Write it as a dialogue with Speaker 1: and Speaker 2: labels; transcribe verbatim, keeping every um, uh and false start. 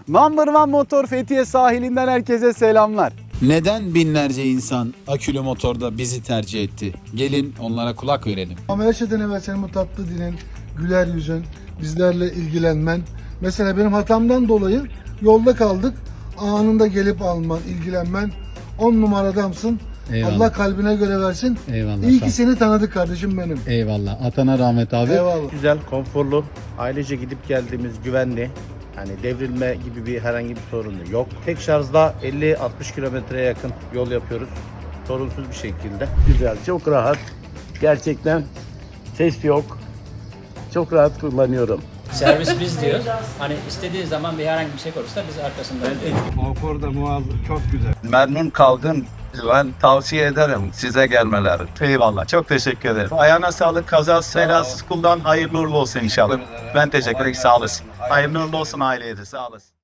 Speaker 1: Number One Motor Fethiye sahilinden herkese selamlar.
Speaker 2: Neden binlerce insan akülü motorda bizi tercih etti? Gelin onlara kulak verelim.
Speaker 3: Ama her şeyden evvel senin bu tatlı dilin, güler yüzün, bizlerle ilgilenmen. Mesela benim hatamdan dolayı yolda kaldık. Anında gelip alman, ilgilenmen. On numara adamsın.
Speaker 4: Eyvallah.
Speaker 3: Allah kalbine göre versin.
Speaker 4: Eyvallah.
Speaker 3: İyi
Speaker 4: sağ
Speaker 3: ki
Speaker 4: ol.
Speaker 3: seni tanıdık kardeşim benim.
Speaker 4: Eyvallah. Atana rahmet abi.
Speaker 3: Eyvallah.
Speaker 5: Güzel, konforlu, ailece gidip geldiğimiz güvenli. Hani devrilme gibi bir herhangi bir sorunu yok. Tek şarjda elli altmış kilometreye yakın yol yapıyoruz. Sorunsuz bir şekilde.
Speaker 6: Güzel, çok rahat. Gerçekten ses yok. Çok rahat kullanıyorum.
Speaker 7: Servis biz diyoruz. Hani istediği zaman bir herhangi bir şey olursa biz arkasındayız.
Speaker 8: Memnun kaldım. Ben tavsiye ederim size gelmeleri. Eyvallah. Çok teşekkür ederim. Ayağına sağlık. Kazasız belasız kullan. Hayırlı uğurlu olsun inşallah. Ben teşekkür ederim. Sağ olasın. Hayırlı uğurlu olsun aileye de. Sağ olasın.